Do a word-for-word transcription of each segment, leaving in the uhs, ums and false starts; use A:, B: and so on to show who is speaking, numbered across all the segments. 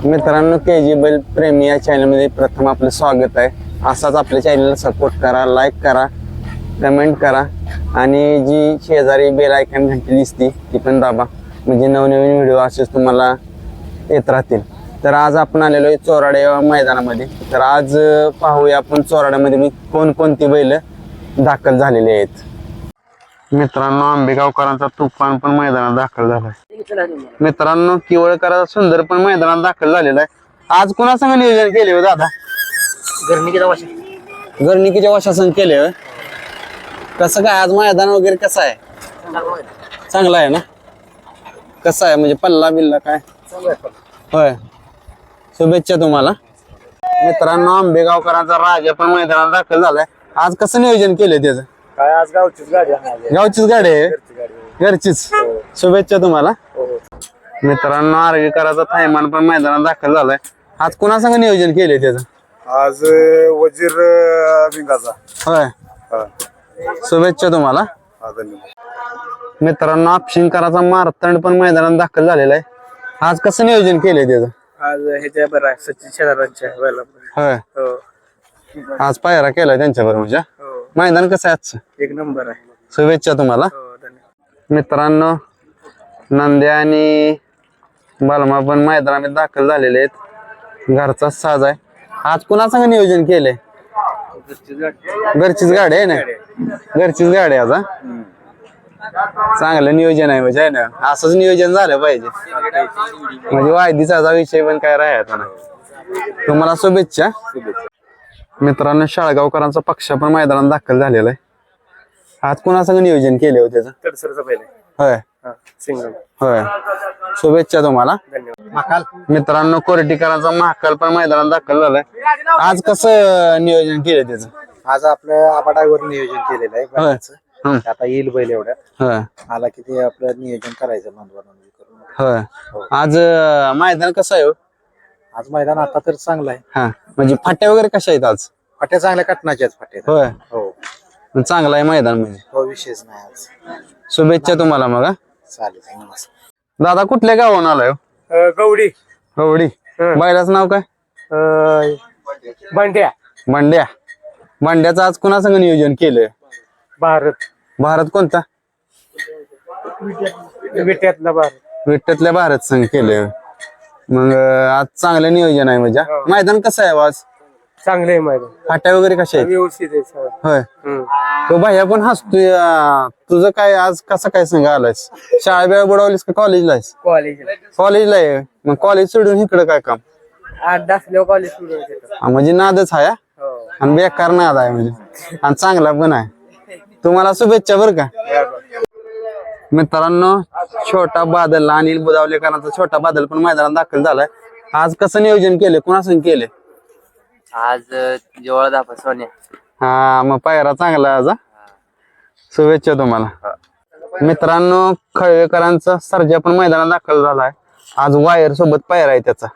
A: मित्रांनो, के जी बैल प्रेमी या चॅनलमध्ये प्रथम आपलं स्वागत आहे. असाच आपल्या चॅनलला सपोर्ट करा, लाईक करा, कमेंट करा आणि जी शेजारी बेल आयकॉन घंटी दिसती ती पण दाबा, म्हणजे नवनवीन व्हिडिओ असेच तुम्हाला येत राहतील. तर आज आपण आलेलो आहे चोराडे या मैदानामध्ये. तर आज पाहूया आपण चोराड्यामध्ये मी कोणकोणती बैल दाखल झालेले आहेत. मित्रांनो, आंबेगावकरांचा तुफान पण मैदानात दाखल झालाय. मित्रांनो, किवळकरांचा सुंदर पण मैदानात दाखल झालेला आहे. आज कुणासंग नियोजन केले हो दादा?
B: गर्णिकीच्या वशा
A: गर्णिकीच्या वशासन केले होय. कसं काय आज मैदान वगैरे कसं आहे? चांगला आहे ना? कसं आहे म्हणजे पल्ला बिल्ला काय? होय, शुभेच्छा तुम्हाला. मित्रांनो, आंबेगावकरांचा राजा पण मैदानात दाखल झालाय. आज कसं नियोजन केलंय त्याचं?
B: काय आज गावचीच गाडी आहे.
A: गावचीच गाडी आहे, घरचीच. शुभेच्छा तुम्हाला. मित्रांनो, आर्वीकरांचा थैमान पण मैदानात दाखल झालाय. आज कुणासंग नियोजन केलंय त्याचं?
C: आज वजीर विंगाचा.
A: होय, शुभेच्छा तुम्हाला. मित्रांनो, आपशिंकराचा मारतंड पण मैदानात दाखल झालेला आहे. आज कसं नियोजन केलंय त्याचं?
B: आज ह्याच्या बरं आहे सचिन शेलारांच्या वेळेला.
A: होय,
B: हो
A: आज पायरा केलाय त्यांच्या बरोबर. म्हणजे
B: हो,
A: मैदान कसं आहे आजचं?
B: एक नंबर आहे.
A: शुभेच्छा तुम्हाला.
B: हो, धन्यवाद.
A: मित्रांनो, नंद्या आणि बालमा पण मैदानात दाखल झालेले आहेत. घरचा साज आहे. आज कुणासंग नियोजन केलंय? घरचीच गाडी आहे ना? घरचीच गाडी आहे आज. हा? चांगलं नियोजन आहे म्हणजे, आहे ना? असंच नियोजन झालं पाहिजे म्हणजे वायदीचा विषय पण काय राहायचा ना. तुम्हाला शुभेच्छा. मित्रांनो, शाळगावकरांचा पक्ष पण मैदानात दाखल झालेला आहे. आज कुणासंग नियोजन केले होते त्याचं?
B: तडसरचा पहिले.
A: होय,
B: सिंगल.
A: होय, शुभेच्छा तुम्हाला.
B: धन्यवाद.
A: मित्रांनो, कोरटीकरांचा महाकाल पण मैदानात दाखल झालाय. आज कसं नियोजन केलं त्याचं?
D: आज आपलं आबाडावर नियोजन केलेलं आहे
A: होय.
D: बैलाचं.
A: हम्म.
D: आता येईल बैल एवढ्यात
A: होय,
D: आला की ते आपलं नियोजन करायचं नोंदवा नोंदवी करून.
A: होय. आज अं, मैदान कसं आहे हो?
D: आज मैदान आता तर चांगलं आहे.
A: हा, म्हणजे फाट्या वगैरे कशा आहेत आज?
D: फाट्या चांगल्या कटनाच्या आहेत फाट्या.
A: होय,
D: हो
A: चांगला आहे मैदान म्हणजे.
D: हो, विशेष नाही आज.
A: शुभेच्छा तुम्हाला. मग हा?
D: चालेल, नमस्कार.
A: दादा, कुठल्या गावाहून आलाय हो?
B: अं, गवडी.
A: गवडी. बैलाचं नाव काय?
B: अं, बंड्या.
A: भांड्या. भांड्याचं आज कुणासंग नियोजन केलंय?
B: भारत.
A: भारत कोणता?
B: विट्यातला भारत.
A: विट्यातल्या भारत संघ केलंय. मग अं, आज चांगलं नियोजन आहे म्हणजे.
B: हो.
A: मैदान कसं आहे हो आज?
B: चांगले आहे मैदान.
A: फाट्या वगैरे कशा आहेत?
B: व्यवस्थित आहे सगळं.
A: होय.
B: हम्म.
A: तो भैया पण हसतोय. अं, तुझं काय आज कसं काय संघ आलायस? शाळा बिळा बुडवलीस का कॉलेजला आहेस?
B: कॉलेज.
A: कॉलेजला आहे. मग कॉलेज सोडून इकडं काय काम?
B: आठ असल्यावर कॉलेज सुरू होते.
A: हा, म्हणजे नादच आहे. हा?
B: हो.
A: आणि बेकार नाद आहे म्हणजे, आणि चांगला पण आहे. तुम्हाला शुभेच्छा बरं का. मित्रांनो, छोटा बादल अनिल बुदावलेकरांचा छोटा बादल पण मैदानात दाखल झालाय. आज कसं नियोजन केले, कुणासंग केले?
E: आज जेवळ दाखवा सोन्या.
A: हा, मग पायरा चांगला आहे आज. हा? शुभेच्छा तुम्हाला. मित्रांनो, खळवेकरांचा सर्जा पण मैदानात दाखल झालाय. आज वायर सोबत पायरा आहे त्याचा.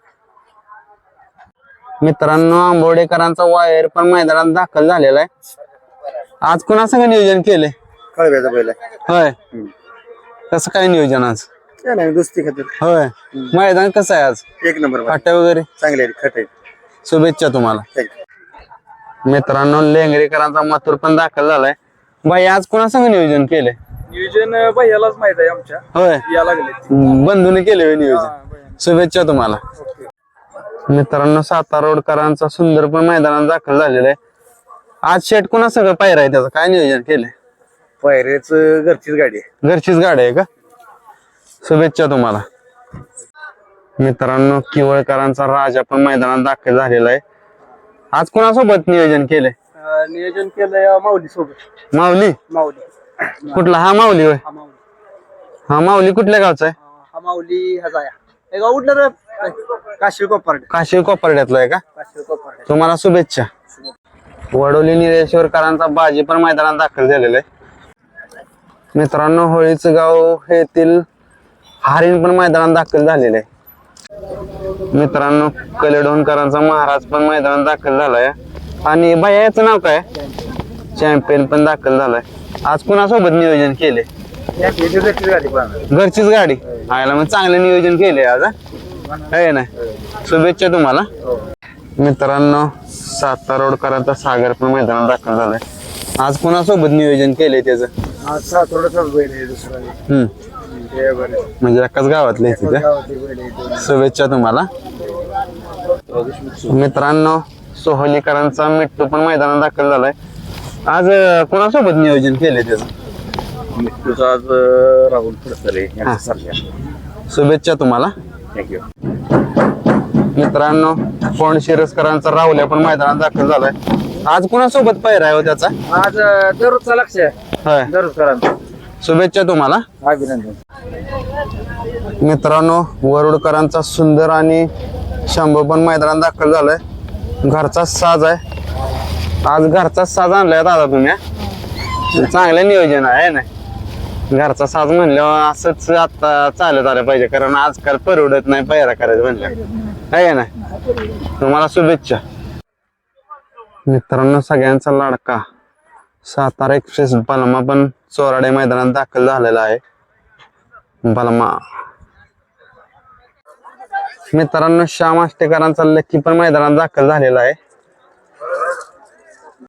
A: मित्रांनो, आंबोडेकरांचा वायर पण मैदानात दाखल झालेला आहे. आज कुणासंग नियोजन केले?
D: कळव्याचा बैल आहे.
A: होय, कसं काय नियोजन आज?
D: काय नाही, दोस्ती खातर.
A: होय, मैदान कसं आहे आज?
D: एक नंबर बैल.
A: फाट्या वगैरे
D: चांगले आहेत, खट आहेत.
A: शुभेच्छा तुम्हाला.
D: थँक्यू.
A: मित्रांनो, लेंगरेकरांचा मथुर पण दाखल झालाय. बाई, आज कुणासंग नियोजन केले?
B: नियोजन भैयालाच माहित आहे आमच्या.
A: होय,
B: या लागले.
A: बंधूने केले नियोजन. शुभेच्छा तुम्हाला. मित्रांनो, सातारा रोडकरांचा सुंदर पण मैदानात दाखल झालेला आहे. आज शेट कुणा सगळं पायरा आहे त्याचं काय नियोजन केलंय?
D: पायऱ्याच घरचीच गाडी आहे.
A: घरचीच गाडी आहे का? शुभेच्छा तुम्हाला. मित्रांनो, किवळकरांचा राजा पण मैदानात दाखल झालेला आहे. आज कुणासोबत नियोजन केलंय?
B: अं, नियोजन केलंय माऊली सोबत.
A: माऊली.
B: माऊली.
A: कुठला? हा माऊली होय.
B: हा माऊली.
A: हा माऊली कुठल्या गावचा आहे?
B: हा माऊली हजाया. हे गाव उठलं रे. काशीळ कोपर्डे.
A: काशीळ कोपर्ड्यातला आहे का?
B: काशीळ कोपर्डे.
A: तुम्हाला शुभेच्छा. वडोली निरेश्वरकरांचा बाजी पण मैदानात दाखल झालेला आहे. मित्रांनो, होळीचं गाव येथील हरिण पण मैदानात दाखल झालेलं आहे. मित्रांनो, कलेडोणकरांचा महाराज पण मैदानात दाखल झालाय. आणि भैया याचं नाव काय? चॅम्पियन पण दाखल झालाय. आज कुणासोबत नियोजन केले?
D: घरचीच गाडी पाहणार.
A: घरचीच गाडी आयला, मग चांगलं नियोजन केले आज. आहे ना शुभेच्छा तुम्हाला मित्रांनो. सातारा रोडकरांचा सागर पण मैदानात दाखल झालाय. आज कोणासोबत नियोजन केलंय त्याचं?
B: आज सातवड्याचाच बैल आहे दुसरा नाही.
A: हम्म
B: ते बरं.
A: म्हणजे एकाच गावातले आहेत तिथे.
B: गावातली बैल आहे दोन.
A: शुभेच्छा तुम्हाला मित्रांनो. सोहलीकरांचा मिट्टू पण मैदानात दाखल झालाय. आज अं, कोणासोबत नियोजन केलंय त्याचं?
C: मिट्टूचा आज राहुल फडतरे यांचा चालल्या.
A: शुभेच्छा तुम्हाला
C: थँक्यू.
A: मित्रांनो. कोण शिरसकरांचा राहुल्या पण मैदानात दाखल झालाय. आज कोणासोबत पैरा आहे हो त्याचा?
B: आज अं, दररोजचा लक्ष आहे.
A: होय.
B: दररोज करा.
A: शुभेच्छा तुम्हाला
B: अभिनंदन.
A: मित्रांनो. वरुडकरांचा सुंदर आणि शंभू पण मैदानात दाखल झालाय. घरचा साज आहे. आज घरचा साज आणलाय दादा तुम्ही हा? चांगलं नियोजन आहे ना. घरचा साज म्हणल्यावर असंच आता चालत आलं पाहिजे कारण आजकाल परवडत नाही पैरा करायचं म्हणलं आहे ना. तुम्हाला शुभेच्छा मित्रांनो. सगळ्यांचा लाडका सातारा एक्सप्रेस बलमा पण चोराडे मैदानात दाखल झालेला आहे. बलमा मित्रांनो. श्याम आष्टेकरांचा लक्की पण मैदानात दाखल झालेला आहे.